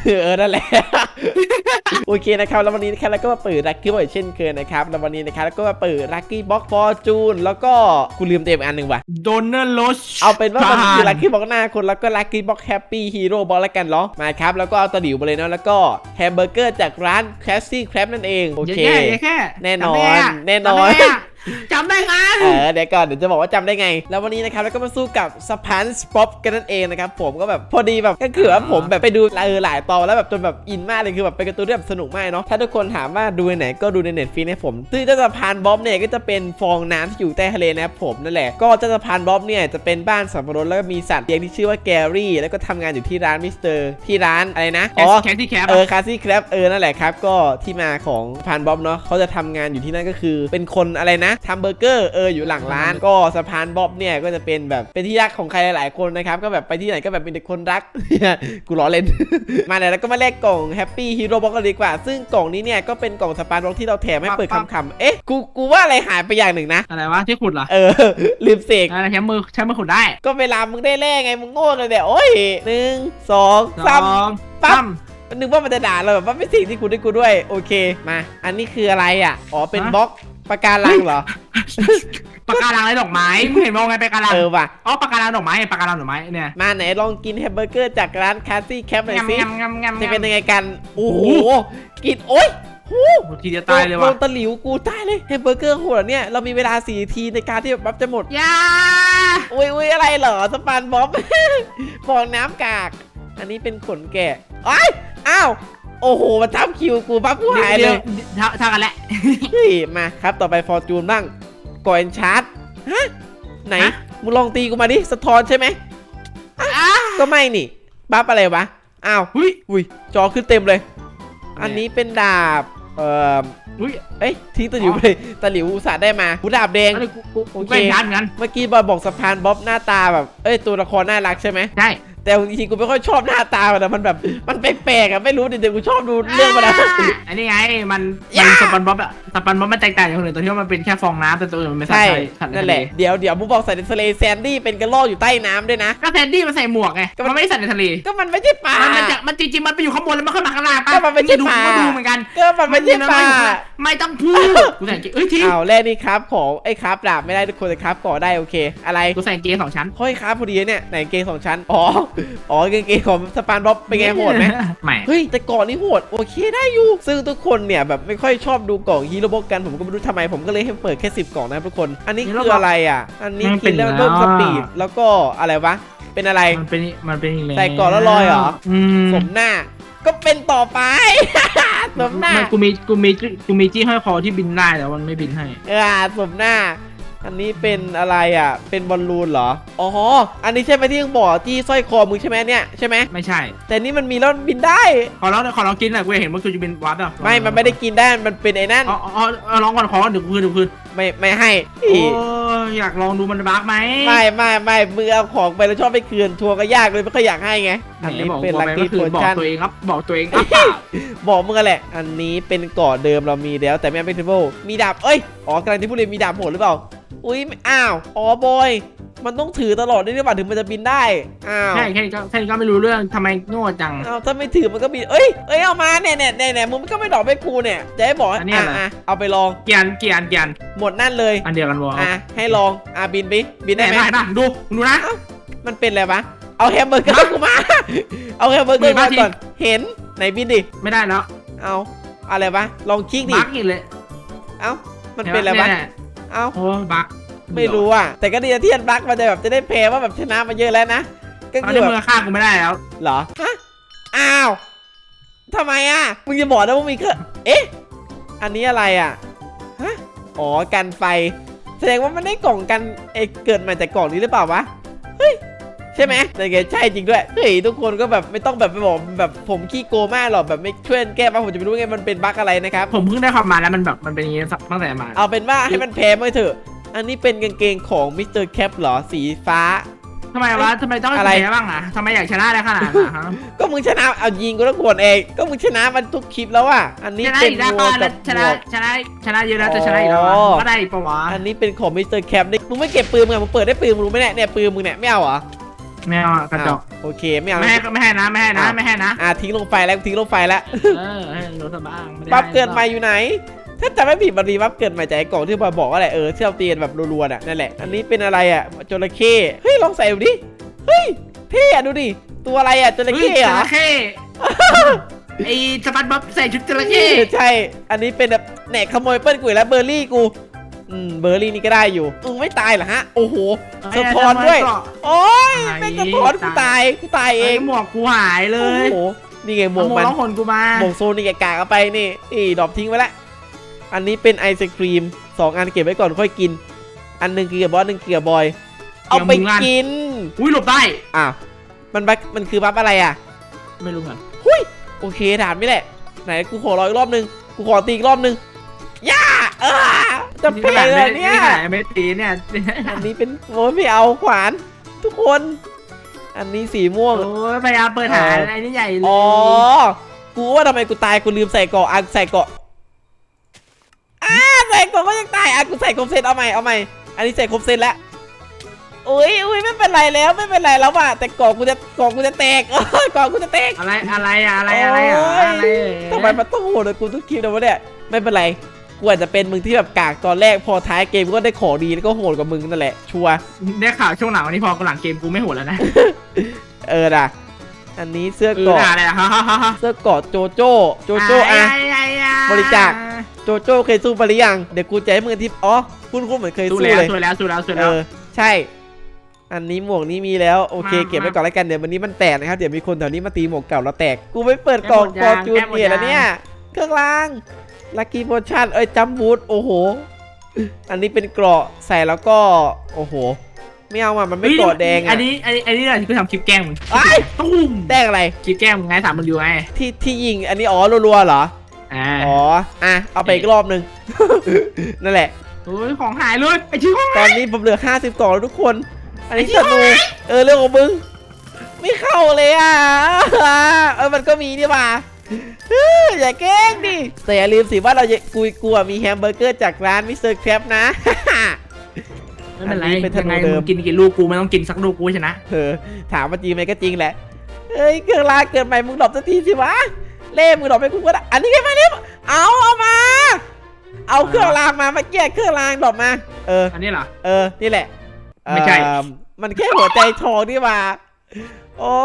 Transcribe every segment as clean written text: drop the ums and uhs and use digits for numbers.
นั่นแหละโอเคนะครับแล้ววันนี้นะครับแล้วก็มาเปิดลัคกี้บ็อกเช่นเคยนะครับแล้ววันนี้นะครับแล้วก็มาเปิดลัคกี้บ็อกฟอร์จูนแล้วก็กูลืมเต็มอันหนึ่งว่ะโดนเนอร์โรสเอาเป็นว่ามันคือลัคกี้บ็อกหน้าคนแล้วก็ลัคกี้บ็อกแฮปปี้ฮีโร่บ็อกแล้วกันเนาะมาครับแล้วก็เอาตะหลิวไปเลยเนาะแล้วก็แฮมเบอร์เกอร์จากร้านแคสซี่แครบนั่นเองโอเคแน่นอนจำได้ครับเดี๋ยวก่อนเดี๋ยวจะบอกว่าจำได้ไงแล้ววันนี้นะครับแล้วก็มาสู้กับสปันส์ป๊อปกันนั่นเองนะครับผมก็แบบพอดีแบบก็คือว่าผมแบบไปดูหลายตอนแล้วแบบจนแบบอินมากเลยคือแบบเป็นการ์ตูนที่แบบสนุกมากเนาะถ้าทุกคนถามว่าดูในไหนก็ดูในเน็ตฟรีนะผมซึ่งเจ้าสะพานบ๊อบเนี่ยก็จะเป็นฟองน้ำที่อยู่ใต้ทะเลนะครับผมนั่นแหละก็เจ้าสะพานบ๊อบเนี่ยจะเป็นบ้านสัตว์ประหลาดแล้วก็มีสัตว์เลี้ยงที่ชื่อว่าแกรี่แล้วก็ทำงานอยู่ที่ร้านมิสเตอร์ที่ร้านอะไรนะแคสซี่แคปคาซี่แครบนั่นแหละครับก็ที่มาของสะพานบ๊อบเนาะเขาจะทำงานอยู่ที่นั่นก็คือเป็นคนอะไรนะทำเบอร์เกอร์อยู่หลังร้านก็สะพานบ๊อบเนี่ยก็จะเป็นแบบเป็นที่รักของใครหลายๆคนนะครับก็แบบไปที่ไหนก็แบบมีแต่คนรัก กูล้อเล่น มาแล้วก็มาแลกกล่องแฮปปี้ฮีโร่บ็อกกันดีกว่าซึ่งกล่องนี้เนี่ยก็เป็นกล่องสปาร์บ็อกที่เราแถมให้เปิดคำกูว่าอะไรหายไปอย่างหนึ่งนะอะไรวะที่ขุดเหรอลืมเสกใช้มือขุดได้ก็เวลามึงได้แลกไงมึงโง่เลยเนี่ยโอ้ย1 2 3ปั๊มนึกว่ามันจะด่าเราแบบว่าไม่สิ่งที่กูได้กูด้วยโอเคมาอันนี้คืออะไรอ่ะอ๋อเป็นบ็อกปากการังเหรอปากการังอะไรดอกไม้มึงเห็นมองไงปากการังว่ะปากการังดอกไม้ปากการังดอกไม้เนี่ยมาไหนลองกินแฮมเบอร์เกอร์จากร้านคาซี่แคปหน่อยสิจะเป็นยังไงกันโอ้โหกินโอ๊ยทีจะตายเลยว่ะโดนตะหลิวกูตายเลยแฮมเบอร์เกอร์โหดเนี่ยเรามีเวลา4 นาทีในการที่แบบจะหมดอุ้ยอะไรเหรอสปานบ๊อบฟองน้ำกากอันนี้เป็นขนแกะอ้าวโอ้โหมาทับคิวกูปั๊บกูหายเลยเท่ากันแหละมาครับต่อไปฟอร์จูนบ้างก่อนชาร์จฮะไหนมึงลองตีกูมาดิสะท้อนใช่ไหมก็ไม่นี่บัฟอะไรวะอ้าวอุ้ยจอขึ้นเต็มเลยอันนี้เป็นดาบทิ้งตะหลิวไปเลยตะหลิวอุตส่าห์ได้มาหูดาบแดงโอเคงั้นเมื่อกี้บอกสะพานบ๊อบหน้าตาแบบตัวละครน่ารักใช่ไหมใช่แต่จริงๆกูไม่ค่อยชอบหน้าตามันแบบมันแปลกๆไม่รู้เดี๋ยวกูชอบดูเรื่องมันอันนี้ไงมันสปันบ๊อบมันแตกต่างจากคนอื่นตัวที่ว่ามันเป็นแค่ฟองน้ำแต่ตัวอื่นมันไม่ใช่นั่นแหละเดี๋ยวมึงบอกใส่ในทะเลแซนดี้เป็นกระรอกอยู่ใต้น้ำด้วยนะก็แซนดี้มันใส่หมวกไงมันไม่ได้ใส่ในทะเลก็มันไม่ใช่ปลามันจริงๆมันไปอยู่ข้างบนแล้วมันขึ้นมาข้างล่างก็มันไม่ใช่ปลาดูเหมือนกันก็มันไม่ใช่ปลาไม่ต้องพูดกูใส่ทีแรกนี่ครับของครับดาบไม่ได้ทุกคนแต่ครับก่อได้โอเคอะไรกูใส่เกง2 ชั้นค่อยครับพอดีเนี่ยไหนเกง2 ชั้นเกงของสปานบ๊อบเป็นไงโหดไหมไม่เฮ้ยแต่ก่อนนี่โหดโอเคได้อยู่ซึ่งทุกคนเนี่ยแบบไม่ค่อยชอบดูกล่องฮีโร่บ็อกกันผมก็ไม่รู้ทำไมผมก็เลยให้เปิดแค่10 กล่องนะทุกคนอันนี้คืออะไรอ่ะอันนี้กินแล้วเพิ่มสปีดแล้วก็อะไรวะเป็นอะไรมันเป็นใส่ก่อนแล้วลอยเหรอสมหน้าก็เป็นต่อไปสมหน้ากูมีจี้ห้อยคอที่บินได้แต่มันไม่บินให้สมหน้าอันนี้เป็นอะไรอ่ะเป็นบอลลูนเหรออันนี้ใช่ไหมที่มึงบอกที่สร้อยคอมึงใช่ไหมเนี่ยใช่ไหมไม่ใช่แต่นี่มันมีแล้วบินได้ขอลองกินหน่อยกูเห็นว่ากูจะบินวัดอ่ะมันไม่ได้กินได้มันเป็นไอ้นั่นลองก่อนขอเดี๋ยวคืนไม่ให้อยากลองดูมันบั๊กไหมไม่มือเอาของไปแล้วชอบไปคืนทัวร์ก็ยากเลยไม่ค่อยอยากให้ไงอันนี้เป็นลัคกี้โพชั่นบอกตัวเองครับบอกมึงแหละอันนี้เป็นเกาะเดิมเรามีแล้วแต่ไม่เป็นเทเบิลมีดาบกำลังที่พูดเลยมีดาบโหดหรือเปล่าอุ้ยบอยมันต้องถือตลอดได้หรือเปล่าถึงมันจะบินได้ใช่แค่นี้ก็ไม่รู้เรื่องทำไมโง่จังถ้าไม่ถือมันก็บินเอามาเนี่ยมึงก็ไม่ดอกไปกูเนี่ยจะให้บอกเอาไปลองเกียนหมดนั่นเลยอันเดียวกันวะให้ลองบินได้ไหมดูนะมันเป็นอะไรวะเอาแฮมเบอร์เกอร์กูมาเอาแฮมเบอร์เกอร์มาก่อนเห็นไหนบินดิไม่ได้แล้วเอาอะไรวะลองคลิกดิบั๊กอีกเลยมันเป็นอะไรวะบั๊กไม่รู้แต่ก็ดีนะที่อันบั๊กมันจะแบบจะได้แพ้ว่าแบบชนะมาเยอะแล้วนะก็คือแบบฆ่ากูไม่ได้แล้วเหรอทำไมมึงจะบอกนะว่ามีอันนี้อะไรกันไฟแสดงว่ามันได้กล่องกันเกิดมาจากกล่องนี้หรือเปล่าวะเฮ้ยใช่ไหมแต่แกใช่จริงด้วยเฮ้ยทุกคนก็แบบไม่ต้องแบบไปบอกแบบผมขี้โกงมากหรอกแบบไม่ช่วยแก้บ้างผมจะไม่รู้ไงมันเป็นบั๊กอะไรนะครับผมเพิ่งได้ความมาแล้วมันแบบมันเป็นอย่างนี้ตั้งแต่มาเอาเป็นว่าให้มันแพ้ไม่เถอะอันนี้เป็นกางเกงของมิสเตอร์แคปเหรอสีฟ้าทำไมต้องอะไรบ้างทำไมอยากชนะได้ขนาดนั้นก็มึงชนะเอายิงกูแล้วกดเองก็มึงชนะมันทุกคลิปแล้วอันนี้เป็นวัวกับชนะเยอะแล้วจะชนะอีกแล้วก็ได้ปะวะอันนี้เป็นของมิสเตอร์แคปนี่มึงไม่เก็บปืนมึงมึงเปิดได้ปืนมึงรู้ไหมเนี่ยปืนมึงเนี่ยไม่เอาเหรอไม่เอากระจอกโอเคไม่เอาไม่ให้นะไม่ให้นะไม่ให้นะทิ้งลงไฟแล้วทิ้งลงไฟแล้วให้รู้ซะบ้างไม่ได้บัฟเกิดใหม่อยู่ไหน ถ้าจำไม่ผิดมันมีบัฟเกิดใหม่จากไอ้กล่องที่บอยบอกว่าอะไรที่เราตีกันแบบรัวๆน่ะนั่นแหละอันนี้เป็นอะไรอ่ะจระเข้เฮ้ยลองใส่ดูดิเฮ้ยเท่อะดูดิตัวอะไรอ่ะจระเข้เหรอจระเข้ไอ้สปันบ๊อบใส่ชุดจระเข้ใช่อันนี้เป็นแบบแหนกขโมยเปิ้ลกูแล้วเบอร์รี่กูเบอร์รี่นี่ก็ได้อยู่ไม่ตายเหรอฮะโอ้โหสะท้อนด้วยโอ้ยเป็นสะท้อนกูตายเองหมวกกูหายเลโอ้ยโหนี่ไงหมวกมันร้องหนกูมาหมวกโซนนี่แกกากเอาไปนี่ดรอปทิ้งไว้ละอันนี้เป็นไอศครีม2 อันเก็บไว้ก่อนค่อยกินอันหนึ่งกินกับบอส1กินกับบอยเอาไปกินอุ้ยหลบได้อ้าวมันคือบัฟอะไรอ่ะไม่รู้เหมือนโอเคถามไม่แหละไหนกูขอรออีกรอบนึงกูขอตีอีกรอบนึงย่าจะเพลเลยเนี่ยไม่ตีเนี่ยอันนี้เป็นโอ้ยไม่เอาขวานทุกคน อันนี้สีม่วงโอ้ยพยายามเปิดหาอะไรนี่ใหญ่เลยอ๋อกูว่าทำไมกูตายกูลืมใส่เกาะใส่เกาะใส่เกาะก็ยังตายกูใส่ครบเซตเอาใหม่อันนี้ใส่ครบเซตแล้วอุ้ยไม่เป็นไรแล้วว่ะแต่เกาะกูจะแตกเกาะกูจะแตกอะไรทำไมมันต้องโหดเลยกูต้องคิดนะวะเนี่ยไม่เป็นไรกูอาจจะเป็นมึงที่แบบกากตอนแรกพอท้ายเกมก็ได้ของดีแล้วก็โหดกว่ามึงนั่นแหละชัวร์ได้ข่าวช่วงหลังวันนี้พอหลังเกมกูไม่โหดแล้วนะนะอันนี้เสื้อเกาะอะไรอะเสื้อเกาะโจโจ้บริจาคโจโจ้เคยสู้ไปหรือยังเดี๋ยวกูจะให้มึงทิปคุณเหมือนเคยสู้เลยสู้แล้วใช่ อันนี้หมวกนี้มีแล้วโอเคเก็บไว้ก่อนแล้วกันเดี๋ยววันนี้มันแตกนะครับเดี๋ยวมีคนแถวนี้มาตีหมวกเก่าแล้วแตกกูไม่เปิดกล่องฟอร์จูนเนี่ยแล้วเนี่ยเครื่องรางลัคกี้โพชั่นจัมบูทโอ้โหอันนี้เป็นเกราะใส่แล้วก็โอ้โหไม่เอามันไม่เกราะแดงอันนี้อะไรที่กูทำคลิปแกล้งมึงตุ้มแดงอะไรคลิปแกล้งมึงไงถามมึงอยู่ไงที่ยิงอันนี้รัวๆเหรอเอาไปอีกรอบนึง นั่นแหละโอ้ยของหายเลยไอ้ชิ้นของตอนนี้ผมเหลือ50กล่องแล้วทุกคนอันนี้ธนูเรื่องของมึงไม่เข้าเลยมันก็มีนี่ป่ะอย่าแกล้งดิแต่อย่าลืมสิว่าเราจะกลัวมีแฮมเบอร์เกอร์จากร้านมิสเตอร์แครปนะไม่เป็นไรยังไงมึงกินลูกกูไม่ต้องกินสักลูกกูชนะถามว่าจริงไหมก็จริงแหละเครื่องรางเกิดใหม่มึงดรอปสักทีสิวะเล่มึงดรอปไปกูก็ได้อันนี้ไงมาเนี่ยเอามาเอาเครื่องรางมาเมื่อกี้เครื่องรางดรอปมาอันนี้เหรอนี่แหละไม่ใช่มันแค่หัวใจทองนี่มาโอ้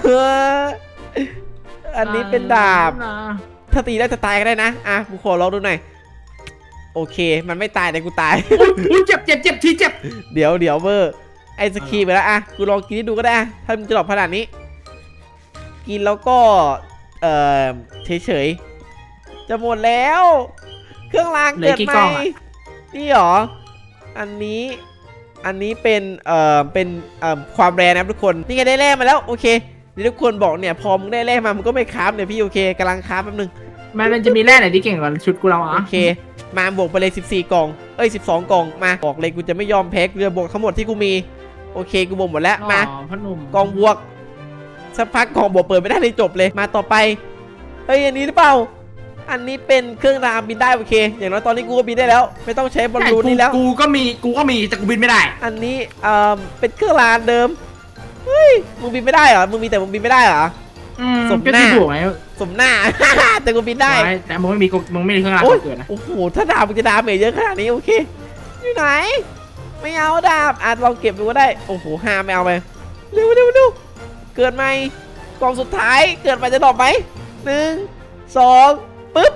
อันนี้เป็นดาบถ้าตีได้จะตายก็ได้นะกูขอลองดูหน่อยโอเคมันไม่ตายแต่กูตายเจ็บทีเจ็บเดี๋ยวเวอร์ไอศครีมไปแล้วกูลองกินให้ดูก็ได้ถ้ามันจะหลบขนาดนี้กินแล้วก็เฉยจะหมดแล้วเครื่องรางเกิดใหม่นี่หรออันนี้เป็นความแรงนะทุกคนนี่ไงได้แร่มาแล้วโอเคนี่ทุกคนบอกเนี่ยพอมึงได้แร่มามึงก็ไม่คราฟเนี่ยพี่โอเคกำลังคราฟแป๊บนึงมันจะมีแร่ไหนที่เก่งกว่าชุดกูเราโอเคมาบวกไปเลย14กล่อง12กล่องมาบอกเลยกูจะไม่ยอมแพ้เรือบวกทั้งหมดที่กูมีโอเคกูบวกหมดแล้วมากล่องบวกสักพักกล่องบวกเปิดไม่ได้เลยจบเลยมาต่อไปอันนี้หรือเปล่าอันนี้เป็นเครื่องรางบินได้โอเคอย่างน้อยตอนนี้กูก็บินได้แล้วไม่ต้องใช้บอลลูนนี่แล้วกูก็มีแต่กูบินไม่ได้อันนี้เป็นเครื่องรางเดิมเฮ้ยมึงบินไม่ได้เหรอมึงมีแต่มึงบินไม่ได้เหรอสมหน้าสมหน้า แต่กูบินได้แต่มึงไม่มีเครื่องรางเกิดนะโอ้โหถ้าดาบมึงจะดาเมจเยอะขนาดนี้โอเคอยู่ไหนไม่เอาดาบลองเก็บดูก็ได้โอ้โห5ไม่เอาไปเร็วเกิดใหม่กล่องสุดท้ายเกิดใหม่จะดรอปไหม1 2ปึ๊บ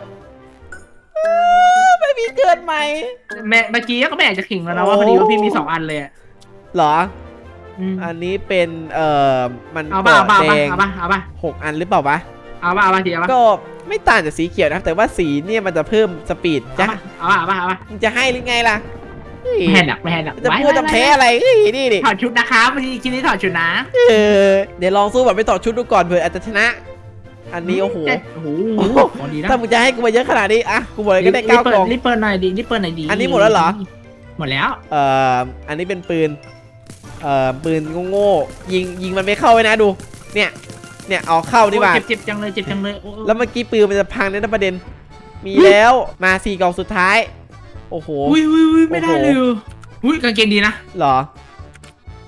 ไม่มีเกิดใหม่เมื่อกี้ก็ไม่อยากจะขิงแล้วนะว่าพอดีว่าพี่มี2 อันเลยเหรออันนี้เป็นมันเกาะแดง 6 อันหรือเปล่าวะเอาทีก็ไม่ต่างจากสีเขียวนะแต่ว่าสีเนี่ยมันจะเพิ่มสปีดจ้ะมึงจะให้หรือไงล่ะไม่ให้หนักจะพูดจะแพ้อะไรนี่ดิถอดชุดนะครับวันนี้นี้ถอดชุดนะเดี๋ยวลองสู้แบบไม่ถอดชุดดูก่อนเผื่ออาจจะชนะอันนี้โอ้โหถ้ามึงจะให้กูมาเยอะขนาดนี้กูบอกเลยก็ได้9 กล่องรีบเปิดหน่อยดีอันนี้หมดแล้วเหรอหมดแล้วอันนี้เป็นปืนโง่ยิงมันไม่เข้าไว้นะดูเนี่ยเอาเข้าดีกว่าเจ็บจังเลยแล้วเมื่อกี้ปืนมันจะพังในประเด็นมีแล้วมา4 กล่องสุดท้ายโอ้โหไม่ได้เลยกางเกงดีนะหรอ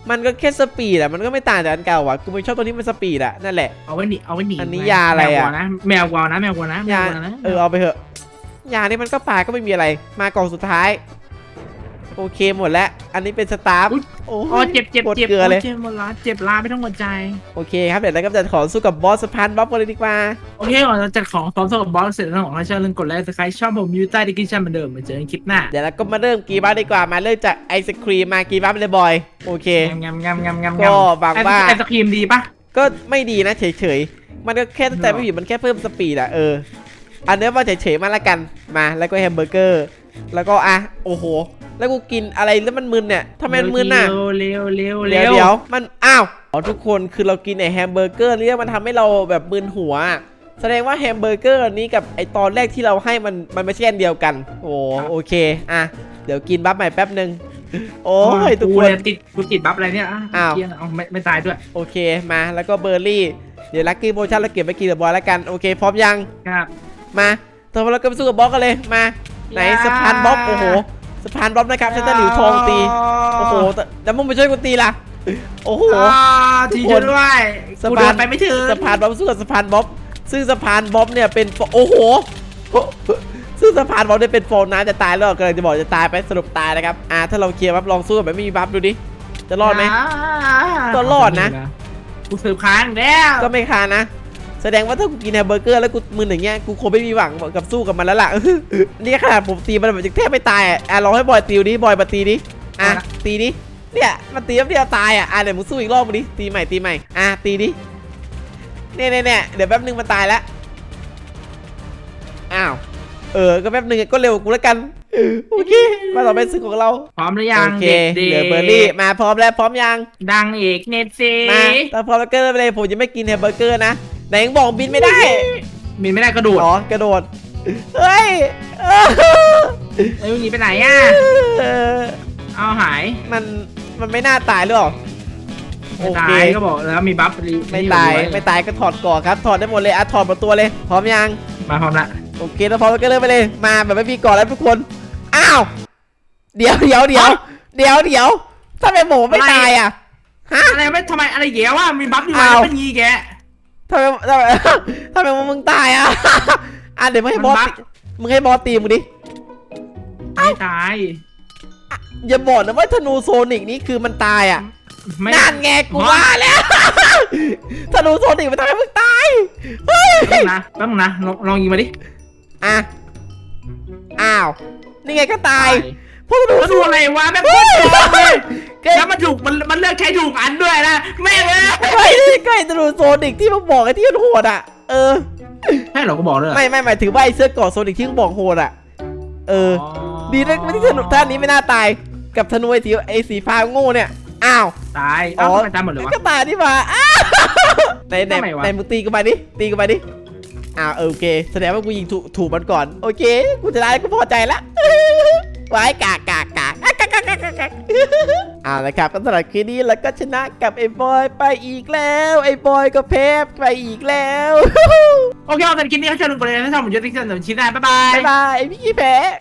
มันก็แค่สปีดอะมันก็ไม่ต่างจากอันเก่าอะกูไม่ชอบตัวนี้มันสปีดอะนั่นแหละเอาไว้หนีอันนี้ยาอะไรอะแมวกวาวนะแมวกวาวนะยาเอาไปเถอะยานี่มันก็ปลาก็ไม่มีอะไรมากล่องสุดท้ายโอเคหมดแล้วอันนี้เป็นสตาร์ฟโอ้อ๋อเจ็บปวดเกลือเลยเจ็บหมดละเจ็บลาไม่ต้องหัวใจโอเคครับเดี๋ยวเราก็จะขอสู้กับบอสสะพานบ๊อบกันเลยดีกว่าโอเคก่อนเราจัดของพร้อมสำหรับบอสเสร็จแล้วของเราเชิญลืมกดไลค์สไครต์ชอบผมยูใต้ดีกินชั่นเหมือนเดิมมาเจอกันคลิปหน้าเดี๋ยวเราก็มาเริ่มกีบ้าดีกว่ามาเริ่มจากไอศครีมมากีบ้าไปเลยบอยโอเคงามก็หวังว่าไอศครีมดีปะก็ไม่ดีนะเฉยๆมันก็แค่ตั้งแต่ไม่ผิดมันแค่เพิ่มสปีดอะอันนี้ว่าเฉยๆมาละกันมาแล้วก็แฮมเบอร์เกอร์แล้วก็โอ้โหแล้วกูกินอะไรแล้วมันมึนเนี่ยทำไมมันมึนน่ะเร็วเดี๋ยวมันอ๋อทุกคนคือเรากินไอแฮมเบอร์เกอร์นี่มันทำให้เราแบบมึนหัวแสดงว่าแฮมเบอร์เกอร์นี้กับไอตอนแรกที่เราให้มันไม่ใช่อันเดียวกันโอเคเดี๋ยวกินบัฟใหม่แป๊บนึงโอ้ยทุกคนกูติดบัฟอะไรเนี่ยอ้าวเอาไม่ตายด้วยโอเคมาแล้วก็เบอร์รี่เดี๋ยวลัคกี้โพชั่นเราเก็บไปกินกับบอลแล้วกันโอเคพร้อมยังครับมาตอนนี้เราก็ไปสู้กับบอสกันเลยมาไหนสะพานบ๊อบโอ้โหสะพานบ๊อบนะครับใช้ตะหลิวทองตีโอ้โหแล้วมึงไปช่วยกูตีล่ะโอ้โหทีช่วยด้วยกูเดินไปไม่ถึงสะพานบ๊อบสู้กับสะพานบ๊อบซึ่งสะพานบ๊อบเนี่ยเป็นโอ้โหซึ่งสะพานบ๊อบเนี่ยเป็นโฟนน้ำจะตายแล้วกำลังจะบอกจะตายไปสรุปตายนะครับถ้าเราเคลียร์บัฟลองสู้แบบไม่มีบัฟดูดิจะรอดไหมก็รอดนะกูสืบค้างแล้วก็ไม่คานะแสดงว่าถ้ากูกินแฮมเบอร์เกอร์แล้วกูมึนอย่างเงี้ยกูคงไม่มีหวังกับสู้กับมันแล้วล่ะ นี่ขนาดผมตีมันแบบแทบไม่ตายลองให้บอยตีดิบอยมาตีดิตีดิเนี่ยมันตีแล้วเดียวตายเดี๋ยวมึงสู้อีกรอบมึงดิตีใหม่ตีดิเนี่ยเดี๋ยวแป๊บนึงมันตายแล้วก็แป๊บนึงก็เร็วกูแล้วกันโอเคมาต่อไปซึ่งของเราพร้อมหรือยังโอเคเหลือเบอร์รี่มาพร้อมแล้วพร้อมยังดังอีกเน็ตซีมาแต่พร้อมแล้วก็ไปเลยผมจะไม่กินแฮมเบอร์เกอร์นะไหนยังบอกบินไม่ได้บินไม่ได้กระโดดกระโดดเฮ้ยมึงหนีไปไหนอ่ะเอาหายมันไม่น่าตายหรือเปล่าไม่ตายก็บอกแล้วมีบัฟไม่ตายก็ถอดก่อนครับถอดได้หมดเลยถอดหมดตัวเลยพร้อมยังมาพร้อมละโอเคแล้วพร้อมก็เริ่มไปเลยมาแบบไม่มีก่อนแล้วทุกคนเดี๋ยวถ้าเป็นหมูไม่ตายฮะอะไรไม่ทำไมอะไรแย่ว่ามีบัฟอยู่แล้วเป็นยีแกทำไมมึงตายเดี๋ยวมึงให้บอสตีมึงดิไม่ตายอย่าบอกนะว่าธนูโซนิกนี่คือมันตายนั่นไงกูว่าแล้วธนูโซนิกมันทำให้มึงตายเฮ้ยแป๊บนึงนะลองยิงมาดินี่ไงก็ตายพวกดูอะไรวะแม่งโคตรเลยแล้วมันถูกมันเลือกใช้ถูกอันด้วยนะแม่เลยใกล้ธนูโซนิกที่มึงบอกไอ้ที่มันโหดใช่เหรอก็บอกเลยไม่หมายถึงว่าไอ้เสื้อเกราะโซนิกที่มึงบอกโหดดีนะไม่ที่ธนูท่านี้ไม่น่าตายกับธนูไอ้สีฟ้าโง่เนี่ยตายทำไมตายหมดเลยวะก็ตายนี่มาในมึงตีกูไปดิโอเคแสดงว่ากูยิงถูกมันก่อนโอเคกูจะได้กูพอใจละไว้กากนะครับก็สำหรับคลิปนี้แล้วก็ชนะกับไอ้บอยไปอีกแล้วไอ้บอยก็แพ้ไปอีกแล้วโอเคเอาแต่คลิปนี้เขาเชิญลงไปเลยถ้าชอบผมจะติ๊กเซนเดี๋ยวชิ้นได้บ๊ายบายไอ้พี่แพ้